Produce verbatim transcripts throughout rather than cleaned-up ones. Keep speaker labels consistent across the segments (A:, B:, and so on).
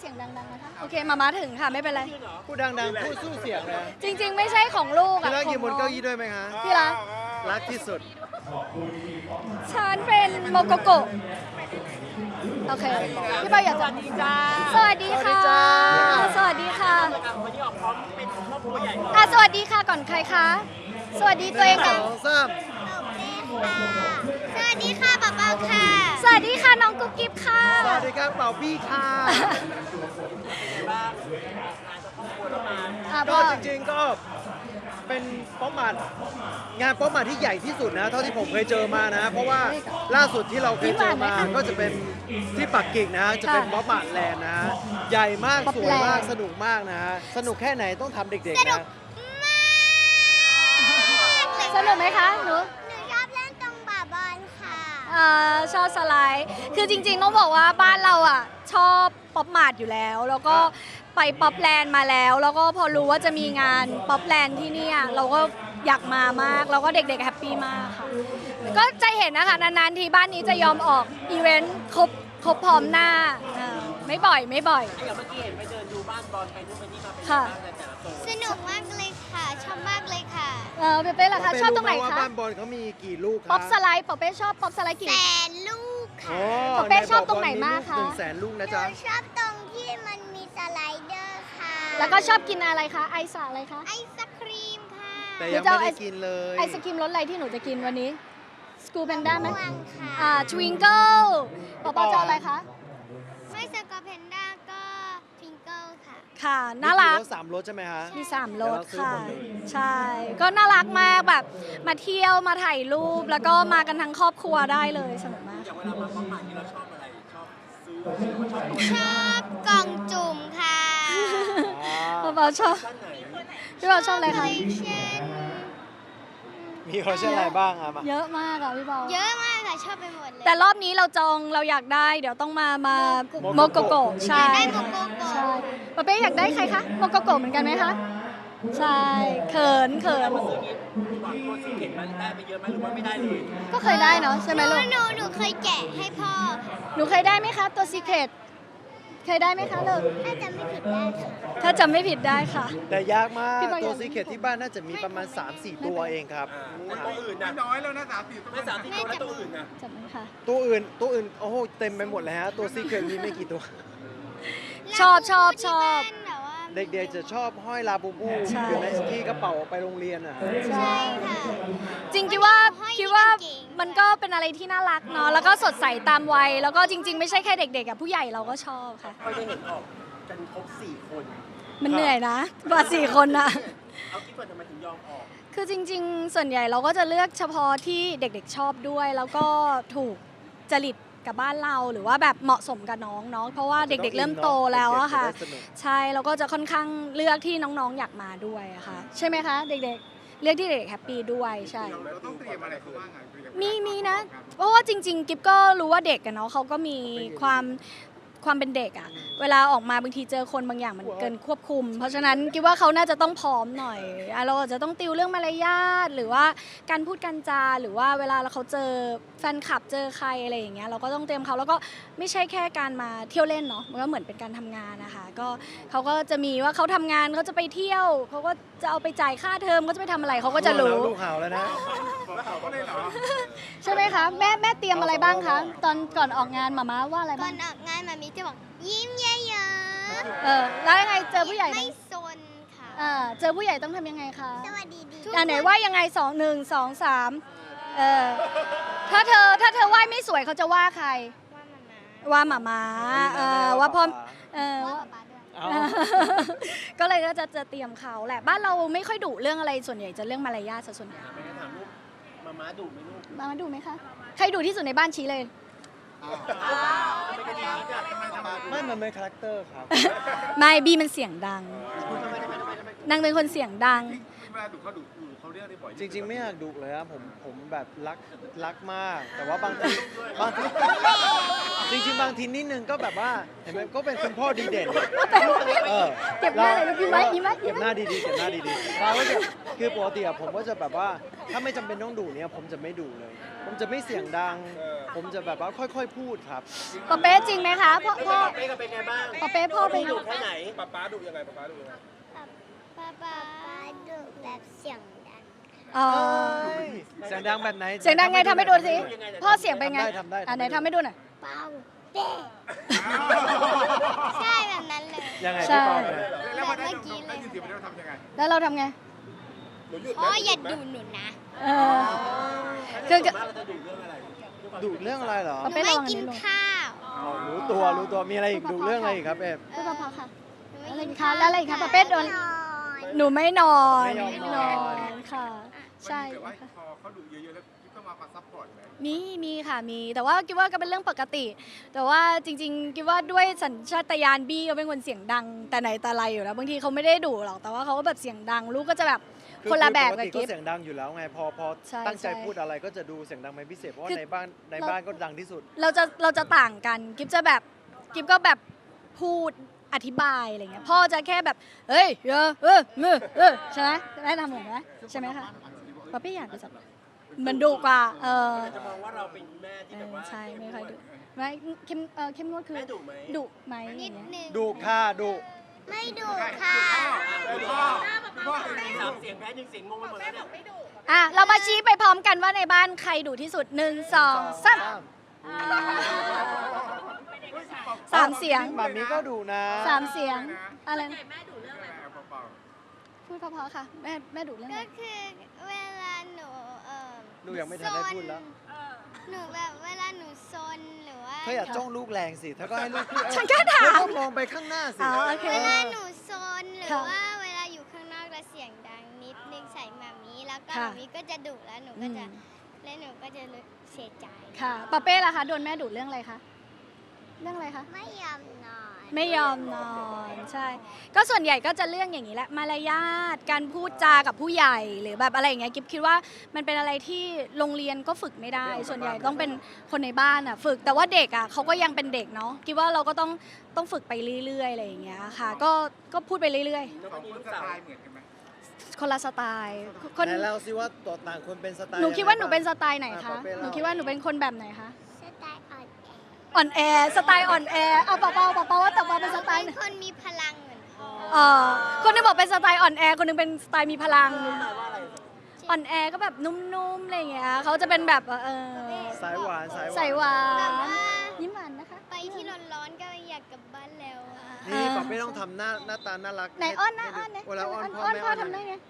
A: สียงดังๆนะคะโอเคมามาถึงค่ะไม่เป็นไร
B: พูดดังๆพูดสู้เสียงเลย
A: จริงๆไม่ใช่ของลูก
B: ที่
A: อะ
B: รัก
A: ข
B: ยื
A: อน ง
B: บน
A: น้อ
B: เก้าง อี้ด้วยไหมคะ
A: ที่รัก
B: รักที่สุด
A: ฉันเป็นโมโกโกะโอเคพี่เปาอยากจะสวัสดีค่ะ สวัสดีค่ะวันนี้ออกพร้อมเป็นครอบครัวใหญ่อ่ะสวัสดีค่ะก่อนใครคะสวัสดีตัวเอง
B: ส
A: ก่อน
B: องสาม
A: สวัสดีค่ะป๊าป๊าค่ะ สวัสดีค่ะน้องกุ๊กกิ๊บค่ะ
B: สวัสดีครับเป่าพี่ค่ะ
A: อ่ะ
B: ก็
A: พ่อ
B: จริงๆก็เป็นป๊อปมาร์ทงานป๊อปมาร์ทที่ใหญ่ที่สุดนะเท่าที่ผมเคยเจอมานะ เพราะว่าล่าสุดที่เราเคยเจอมาก็จะเป็นที่ปักกิ่งนะจะเป็นป๊อปมาร์ทแลนด์นะใหญ่มากสวยมากสนุกมากนะสนุกแค่ไหนต้องทำเด็กๆนะ
A: สนุกไหมคะหนู
C: หนูชอบเล่นตรงบ่าบอลค่ะ
A: อ่าชอบสไลด์ คือจริงๆต้องบอกว่าบ้านเราอ่ะชอบป๊อปมาร์ทอยู่แล้ว แล้วก็ไปป๊อปแลนด์มาแล้ว แล้วก็พอรู้ว่าจะมีงานป๊อปแลนด์ที่นี่เราก็อยากมามาก แล้วก็เด็กๆแฮปปี้มากค่ะ ก็จะเห็นนะคะนานๆทีบ้านนี้จะยอมออกอีเวนต์ครบครบพร้อมหน้าอ่าไม่บ่อยไม่บ่อย
D: อย่างเมื่อกี้เห็นไปเดินดูบ้านบอลไปนู่นไปนี่มาเป็น
A: ค่ะ
D: บ้านในแต่ละโซน
C: สนุกมากเลยค่ะ ชอบมากเลยค่ะ
A: เออเป๊ะๆล่ะคะชอบตรงไหน
B: ว่า
A: คะ
B: บ้านบอลเขามีกี่ลูกครับ
A: ป๊อปสไลด์ป๊อปเป้ชอบป๊อปสไลด์กี่
C: แสนลูก
B: อ๋
C: ค่ะ
B: อ
A: เป๊ะชอบตรงไหนมากคะ
B: หนึ่งแสนลูก
C: ห
B: นะ
C: นู
B: จ๊ะ
C: ชอบตรงที่มันมีสไลเดอร์ค่ะ
A: แล้วก็ชอบกินอะไรคะไอซ์อะไรคะ
C: ไอศครีมค่ะ
B: แต่ยังไม่ได้กินเลย
A: ไอศกรีมรสอะไรที่หนูจะกินวันนี้สกูแพนด้าไหม
C: ม่วงค่ะ
A: อ่าทวิงเกิลป๊อปป๊อปจะเอาอะไรคะ
C: ไม่สกอร์เพนด้าก็ทิงเกิลค่ะ
A: ค่ะ น่ารัก
B: มีรถสามรถใช่ไหมฮะ
A: มีสามรส
B: เดี๋ยวเราซื้อ
A: ค่ะ
B: หมดเลย
A: ใช่ ก็น่ารักมากแบบ มาเที่ยวมาถ่ายรูป แล้วก็มากันทั้งครอบครัวได้เลยสนุกมาก
D: อย่างเวลามาบ้านใหม่ที่เราชอบอะไร ชอบซื้อหรือว่าชอบตัว
C: ชอบกล่องจุ่มค่ะ
A: ป๊อปป๊อปชอบ
D: ชั้นไหน
A: พี่ป๊อปชอบอะไร
C: คอ
A: คะ
C: ลเลคชัน
B: มีคอลเลคชันอะไรบ้างอะมา
A: เยอะมากอะพี่ป๊อป
C: เยอะมากค่ะ ชอบไปหมดเลย
A: แต่รอบนี้เราจองเราอยากได้ เดี๋ยวต้องมามาโมโกโกะใช่
C: ได้โมโกโก
A: ใช่ป๊อปเป้อยากได้ใครคะโมโกโกะเหมือนกันไหมคะ ใช่ เขินเขิน
D: ตัวซีเกตมันได้ไปเยอะไหมหรือว่าไม่ได้เลย
A: ก็เคยได้เนาะใช่ไหม
C: หนู
A: ลูก
C: หนูหนูเคยแกะให้พ่อค่ะ
A: หนูเคยได้ไหมคะตัวซีเครตเคยได้ไหมคะลูก
C: ถ้าจำไม่ผิดได้ค่ะ
A: ถ้าจำไม่ผิดได้ค่ะ
B: แต่ยากมาก
A: พี่บอย
B: ตัว
A: อยาก
B: ซีเคทที่บ้านน่าจะมีประมาณ สามสี่ ตัวเองครับ
D: แต่ตัวอื่นนะ
E: น้อยแล้วนะสามสี่ตัว
D: ไม่สามที่ตัวแล้วตัวอื่นนะ
A: จำไหมคะ
B: ตัวอื่นตัวอื่นโอ้โหเต็มไปหมดเลยฮะตัวซีเคทมีไม่กี่ตัว
A: ชอบชอบชอบ
C: ที่บ้านแบบว่า
B: เด็กๆจะชอบห้อยลาบูบู
A: ใช่
B: อยู่ในที่กระเป๋าไปโรงเรียนอ่ะ
A: ใช่
C: ค่ะ
A: จริงคิดว่า
C: ห้อย
A: คิดว่า
C: เก่งๆ
A: มันก็เป็นอะไรที่น่ารักเนาะแล้วก็สดใสตามวัย แล้วก็จริง ๆ ไม่ใช่แค่เด็กๆอะผู้ใหญ่เราก็ชอบค่ะ
D: ก็จะเห็นออกกันครบสี่คน
A: มันเหนื่อยนะกว่าสี่คนนะ
D: เอาคิดว่าทำไมถึงยอมออก
A: คือจริง ๆ ส่วนใหญ่เราก็จะเลือกเฉพาะที่เด็กๆชอบด้วย แล้วก็ถูกจริตกับบ้านเราหรือว่าแบบเหมาะสมกับน้องเนาะเพราะว่าเด็กๆเริ่มโตแล้วอะค่ะ
B: เด็กๆจะได้สนุก
A: ใช่แล้วก็จะค่อนข้างเลือกที่น้องๆอยากมาด้วยอะค่ะ ใช่ไหมคะ เด็กๆ เลือกที่เด็กแฮปปี้ด้วยใช่
E: เราต้องเตรียมอะไรเขาบ้างอ่ะคุยกับ
A: มีมีนะ เพราะว่าจริง ๆ กิฟก็รู้ว่าเด็กอะเนาะเขาก็มีความความเป็นเด็กอะเวลาออกมาบางทีเจอคนบางอย่างมันเกินควบคุม เพราะฉะนั้นกิฟว่าเขาน่าจะต้องพร้อมหน่อยอ่ะเราอาจจะต้องติวเรื่องมารยาทหรือว่าการพูดการจาหรือว่าเวลาเราเขาเจอแฟนคลับเจอใครอะไรอย่างเงี้ยเราก็ต้องเตรียมเขาแล้วก็ไม่ใช่แค่การมาเที่ยวเล่นเนาะมันก็เหมือนเป็นการทำงานนะคะก็เขาก็จะมีว่าเขาทำงานเขาจะไปเที่ยวเขาก็จะเอาไปจ่ายค่าเทอมเขาจะไปทำอะไรเขาก็จะรู้
B: ลูกเห่าแล้วนะ
E: เขาก็เลยเหรอ
A: ใช่ไหมคะแม่แม่เตรียมอะไรบ้างคะตอนก่อนออกงานหมาม้าว่าอะไร
C: ก่
A: บ้า
C: อง นออกงานมามีจะบอกยิ้มเยอะ
A: เออแล้วยังไงเจอ
C: ๆ
A: ผู้ใหญ่
C: ไม่
A: นะ
C: ซนค่ะ
A: เออเจอผู้ใหญ่ต้องทำยังไงคะ
C: สวัสดีดี
A: อ่าไหนว่ายังไงสองหนึ่งสองสามเออถ้าเธอถ้าเธอไหว้ไม่สวยเขาจะว่าใคร
C: ว่ามามา
A: ว่าหมาม้าเออว่าพ่อเออ
C: ว่า
A: ว่า
C: ป๊าป๊าด้วย
B: เอา
A: ก็เลยก็จะจะเตรียมเขาแหละบ้านเราไม่ค่อยดุเรื่องอะไรส่วนใหญ่จะเรื่องมารยาทซะส่วนใหญ่
D: ไปถามลูกมาม้าดุไหมลูก
A: มามาดูไหมคะใครดุที่สุดในบ้านชี้เลย
D: ไม่กระดิ่งจ้ะทำไมทำไม
B: ไม่มันเป็นคาแรคเตอร์ครับ
A: ไม่บีมันเสียงดังนางเป็นคนเสียงดัง
E: เวลาดูเขาดูดูเขาเรียกอะไรบ่อย
B: จริง ๆ ไม่อยากดุเลยครับผมผมแบบรักรักมาก แต่ว่าบางทีบางทีจริง ๆ บางทีนิดนึงก็แบบว่าเห็นไหมก็เป็นคุณพ่อดีเด่นเออ
A: เก็บหน้าเลยลูกยิ้มไว้ยิ้มไว้ยิ้
B: เก็
A: ม
B: บ
A: ไว้
B: หน้าดีๆเก็บหน้าดีๆเราก็จะคือปกติอะผมก็จะแบบว่าถ้าไม่จำเป็นต้องดุเนี่ยผมจะไม่ดุเลย ผมจะไม่เสียงดังผมจะแบบว่าค่อยๆพูดครับ
A: ปอเป้จริงไหมคะพ่อพ่อ
F: เป้ก็เป็นไงบ้าง
A: ปอเป้พ่อเป็น
F: ดุแค่ไหน
E: ป๊าป๊าดุยังไงป๊าป๊าดุยังไง
C: ป๊าป๊าดุแบบเสียงดัง
A: อ๋อ
B: เสียงดังแบบไหน
A: เสียงดังไงทำให้ดูสิพ่อเสียงเป็นไง
B: ทำได้
A: อ่ะ
B: ทำ
A: ไหน
B: ได้
A: ทำให้ดูหน่อย
C: เป้าเป้ใช่แบบนั้นเลย
B: ยังไง
A: ใช่
B: พี่ปอเนี่ย
E: แล้วพอได้ยินได้ยินเสียงมันแล้วทำยังไง
A: แล้วเราทำไง
E: หนูหยุด
C: พ่ออย่าดุหนูนะ
A: เออคือ
F: ส่วนมากเราจะดุเรื่องอะไร
B: ดุเรื่องอะไรเหรอ
A: ปอ
C: หนู
A: เป้ล
C: ไม่
A: องอัน
C: กิน
A: นี้ลง
C: ข้าว
B: อ๋อรู้ตัวรู้ตัวมีอะไรอีกดุเรื่องอะไรอีกครับเอฟ
A: พูดพอๆค่ะ
C: หนู
A: อะไร
C: ไม่
A: อี
C: กิ
A: ก
C: น
A: คะ
C: ข้าว
A: แล้วอะไรอีกคะปอเป้โดน
C: นอน
A: หนูไม่นอน
B: ไม่ยอมนอน
A: ค่ะ ใช่
E: แต่ว่า
A: ค่ะ
E: พอเขาดุเยอะๆแล้วกิ๊บก็มามาซัพพอร์ตเลย
A: มีมีค่ะมีแต่ว่าคิดว่าก็เป็นเรื่องปกติ แต่ว่าจริงๆคิดว่าด้วยสัญชาตญาณบี้เขาเป็นคนเสียงดังแต่ไหนแต่ไรอยู่แล้วบางทีเขาไม่ได้ดุหรอกแต่ว่าเขาก็แบบเสียงดังลูกก็จะแบบ
B: คือ
A: คนละแบบ
B: ป
A: กับ
B: ติ
A: กิ๊
B: ก็
A: บ
B: เสียงดังอยู่แล้วไงพอพอ
A: ใช่
B: ตั้งใจ
A: ใช่
B: พูดอะไรก็จะดูเสียงดังเป็นพิเศษเพราะว่า
A: คือ
B: ในบ้านใน
A: เรา
B: บ้านก็ดังที่สุด
A: เราจะเราจะต่างกันกิ๊บจะแบบกิ๊บก็แบบพูดอธิบายอะไรเงี้ยพ่อจะแค่แบบเฮ้ยเออเออเออเออใช่ไหมแม่ทำเหมือนไหมใช่ไหมคะป๊อปปี้อยากจะแบบมันดุกว่าเออ
F: จะมองว่าเราเป็นแม่ที่
A: เอ
F: แบบ
A: อ
F: ว่า
A: ใช่ไม่ค่อยดุไม่เข้มเออเข้มงวดคือ
F: แม่ดุไหม
A: ดุไหมอ
C: นิ
A: ย่า
C: ด
A: งเงี้ย
C: นึง
B: ดุค่ะดุ
C: ไม่ดุค่ะ
E: คุณพ่อคุณพ่อ
F: สามเสียงแพ้หนึ่งเสียงงงไปหมดแล้วเนี่ย
A: อ่ะเรามาชี้ไปพร้อมกันว่าในบ้านใครดุที่สุดหนึ่งสองสามสามเสียง
B: หมามีก็ดุนะ
A: สามเสียงอะไรนะ
E: เบา
A: พูดเพราะๆค่ะแม่แม่ดุเรื่อง
C: ก็
A: อะไร
C: คือเวลาหนูเออ
B: หนูยังไม่ทันได้พูดแล้ว
C: หนูแบบเวลาหนูซนหรือว่า
B: เธออย่าจ้องลูกแรงสิเธอก็ให้ลูกพูด
A: ฉันก็ถาม
B: เธอก็มองไปข้างหน้าสิ
A: อ๋อโอเค
C: เวลาหนูซนหรือ
A: ค่ะ
C: ว่าเวลาอยู่ข้างนอกแล้วเสียงดังนิดนึงใส่หมามีแล้วก็ห
A: ค่ะ
C: มามีก็จะดุแล้วหนู
A: อื
C: ก็
A: ม
C: จะแล้วหนูก็จะรู้เสียใจ
A: ค่ะปาเป้ล่ะคะโดนแม่ดุเรื่องอะไรคะเรื่องอะไรคะ
C: ไม่ยอมนอน
A: ไม่ยอมนอนใช่ ก็ส่วนใหญ่ก็จะเรื่องอย่างนี้แหละมารยาทการพูดจากับผู้ใหญ่หรือแบบอะไรอย่างเงี้ยกิ๊บคิดว่ามันเป็นอะไรที่โรงเรียนก็ฝึกไม่ได้ ส่วนใหญ่ต้องเป็นคนในบ้านอ่ะฝึกแต่ว่าเด็กอ่ะเขาก็ยังเป็นเด็กเนาะคิดว่าเราก็ต้องต้องฝึกไปเรื่อยๆอะไรอย่างเงี้ยค่ะ ก็ก็พูดไปเรื่อย
E: ๆสองคนสไตล์เหมือนกันไหม
A: ๆ คนละสไตล์คน
B: ไหนเล่าสิว่าตัวต่างคนเป็นสไตล์
A: หนูคิดว่าหนูเป็นสไตล์ไหน
B: อ่
A: คะ
B: ปอเป้
A: ห
B: เล่
A: นูคิดว่าหนูเป็นคนแบบไหนคะ
C: สไตล์อ่อนแอ
A: อ่อนแอสไตล์อ่อนแอเอาเปล่าเปล่าเปล่าเปล่าว่าแต่เปล่าเป็นสไตล์ไหน
C: เป็นคนมีพลังเหมือนพ่อ
A: เออคนหนึงบอกเป็นสไตล์อ่อนแอคนหนึงเป็นสไตล์มีพลัง
F: แปลว่าอะไร
A: อ่อนแอก็แบบนุ่มๆอะไรอย่างเงี้ยเขาจะเป็นแบบเออ
B: สายหวานสายหวาน
A: ใส่หวา
C: แบบ
A: น
C: ว่า
A: ยิ้มหวานนะคะ
C: ไปที่ร้อนๆก็อยากกลับบ้านแล้วอะ
B: นี่ปอบไม่ต้องทำหน้าหน้าตาน่ารัก
A: ไหนอ้อนนะอ้อนนะ
B: เวลาอ้อนพ่อ
A: อ้อน
B: แม่
A: พ่อ
B: อ้อน
A: ทำได้ไง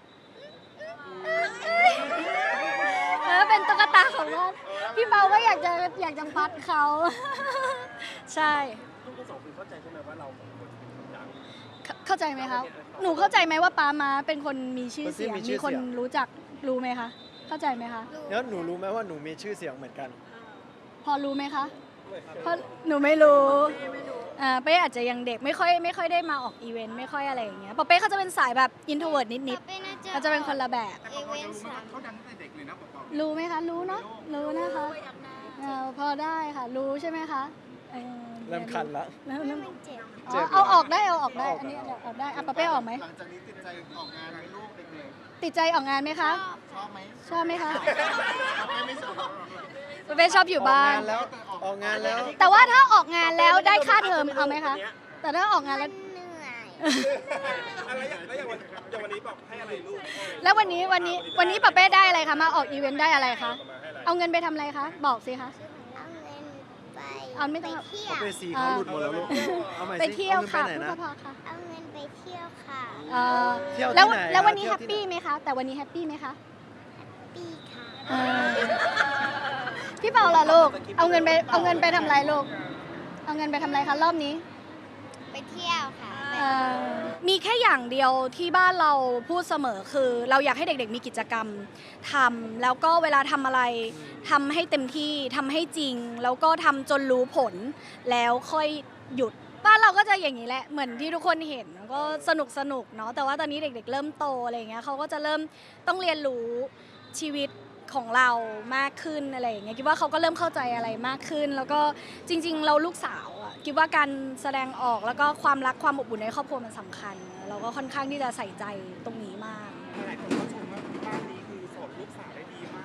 A: เออเป็นตุ๊กตาของบ้านพี่เปาก็อยากจะอยากจะปัดเขา ใช่
F: ลูกทั้งสองคนเข้าใจใช่ไหมว่าเราสองคนเป็นคนดัง
A: เข้าเข้าใจไหมคะหนูเข้าใจไหมว่าป้ามาเป็นคนมีชื่อเสียงมีคนรู้จักรู้ไหมคะเข้าใจไหมคะ
B: แล้วหนูรู้ไหมว่าหนูมีชื่อเสียงเหมือนกัน
A: พอรู้ไหมคะเพราะหนูไม่รู้อ่าเป้อาจจะยังเด็กไม่ค่อยไม่ค่อยได้มาออกอีเวนต์ไม่ค่อยอะไรอย่างเงี้ยปอเป้เขาจะเป็นสายแบบอินโทรเวิร์ดนิด
C: ป๊าเป้น่า
A: ๆเขาจะเป็นคนละแบบ
E: แต่พอเรารู้ว่าเขาดังตั้งแต่เด็กเลยนะบอก
A: รู้ไหมคะ รู้เนาะรู้นะคะเออพอได้ค่ะ รู้ใช่ไหมคะเออ
B: เริ่มคันละ
A: เริ่มเริ่ม
C: มันเจ็บ
A: อ๋อเอาออกได้เอาออกได้อันนี้เอาออกได้อ่ะปอเป้ออกไหม
D: หลังจากนี้ติดใจออกงานไหมลูกเด็ก
A: ติดใจออกงานไหมคะ
D: ๆชอบไหม
A: ชอบไหมคะ
D: ไม่ไม่ชอบ
A: ปอเป้ชอบอยู่บ้าน
B: ออกงานแล้วออกงานแล้ว
A: แต่ว่าถ้าออกงานแล้วได้ค่าเทอมเอาไหมคะ แต่ถ้าออกงาน
C: มั
A: แล้ว
C: นเหนื่อย
E: อะไรอย่างแล้วอย่างวันอย่างวันนี้บอกให้อะไรลูก
A: แล้ววันนี้วันนี้วันนี้ปอเป้ได้อะไรคะมาออกอีเวนต์ได้อะไรคะเอาเงินไปทำอะไรคะบอกสิคะ
C: เอาเงินไป
A: เอาไม่ต้อง
C: ไปเที่ยว
B: เอาไปสีเขาหลุดหมดแล้วลูกเอาใหม่สิ
A: ไปเที่ยวค่ะ
B: อาเงิน
A: พู
B: ไป
A: ด
B: ไหนนะ
A: พอๆค่ะ
C: เอาเงินไปเที่ยวค่ะ
A: เอ่อ
B: เที่ยวที่
A: แล้ว
B: ไหน
A: แล้ววันนี้
B: เที่
A: แฮ
B: ยว
A: ป
B: ที่
A: ปี้
B: ไหน
A: ไหมคะ แต่วันนี้แฮปปี้ไหมคะ
C: ปีค่ะ
A: เออพี่เปาล่ะลูก เอาเงินไปเอาเงินไปทำอะไรลูก เอาเงินไปทำอะไรคะรอบนี้
C: ไปเที่ยวค่ะ
A: เอ่อมีแค่อย่างเดียวที่บ้านเราพูดเสมอคือ เราอยากให้เด็กๆมีกิจกรรมทำแล้วก็เวลาทำอะไรทำให้เต็มที่ทำให้จริง แล้วก็ทำจนรู้ผล แล้วค่อยหยุด บ้านเราก็จะอย่างนี้แหละเหมือนที่ทุกคนเห็นก็สนุกสนุกเนาะแต่ว่าตอนนี้เด็กๆ เริ่มโตอะไรอย่างเงี้ยเขาก็จะเริ่มต้องเรียนรู้ชีวิตของเรามากขึ้นอะไรอย่างเงี้ยคิดว่าเขาก็เริ่มเข้าใจอะไรมากขึ้น แล้วก็จริง ๆ เราลูกสาวอะคิดว่าการแสดงออกแล้วก็ความรักความอบอุ่นในครอบครัวมันสำคัญ เราก็ค่อนข้างที่จะใส่ใจตรงนี้มาก
E: หลายคนก็ชมว่าบ้านนี้คือสอนลูกสาวได้ดีมากเลย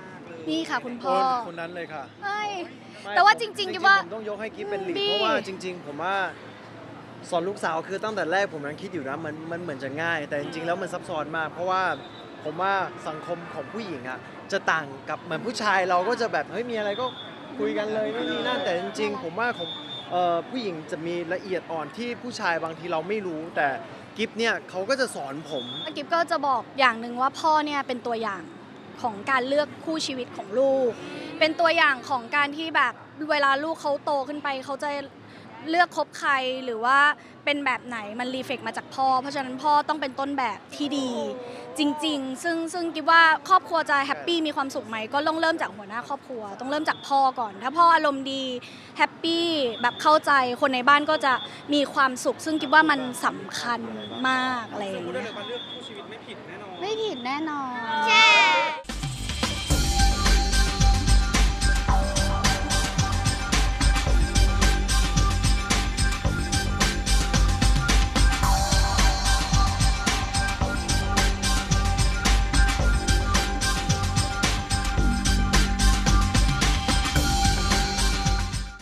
A: นี่ค่ะคุณพ่อ
B: คนคนนั้นเลยค่ะ
A: เอ้ย
B: ไม่
A: แต่ว่า
B: ผม
A: จริงๆกิ๊บว่า
B: ผมต้องยกให้กิ๊บเป็นหลีด
A: บี้
B: เพราะว่าจริง ๆ ผมว่าสอนลูกสาวคือตั้งแต่แรกผมยังคิดอยู่นะมันมันเหมือนจะง่าย แต่จริงๆแล้วมันซับซ้อนมาก เพราะว่าผมว่าสังคมของผู้หญิงอ่ะจะต่างกับเหมือนผู้ชายเราก็จะแบบเฮ้ยมีอะไรก็คุยกันเลยไม่มีนั่นแต่จริงๆ ผมว่าของเอ่อผู้หญิงจะมีละเอียดอ่อนที่ผู้ชายบางทีเราไม่รู้ แต่กิ๊บเนี่ยเขาก็จะสอนผม
A: กิ๊บก็จะบอกอย่างหนึ่งว่าพ่อเนี่ยเป็นตัวอย่างของการเลือกคู่ชีวิตของลูก เป็นตัวอย่างของการที่แบบเวลาลูกเขาโตขึ้นไปเขาจะเลือกคบใครหรือว่าเป็นแบบไหนมันรีเฟกมาจากพ่อ เพราะฉะนั้นพ่อต้องเป็นต้นแบบที่ดีจริงๆ ซึ่งซึ่งกิ๊บว่าครอบครัวจะแฮปปี้มีความสุขไหมก็ต้องเริ่มจากหัวหน้าครอบครัว ต้องเริ่มจากพ่อก่อน ถ้าพ่ออารมณ์ดีแฮปปี้แบบเข้าใจคนในบ้านก็จะมีความสุข ซึ่งกิ๊บว่ามันสำคัญมากอะไรอย่าง
E: พูดได้
A: เงี้
E: เลย ยว่าเลือกคู่ชีวิตไม่ผิดแน่นอน
A: ไม่ผิดแน่นอน
C: ใช่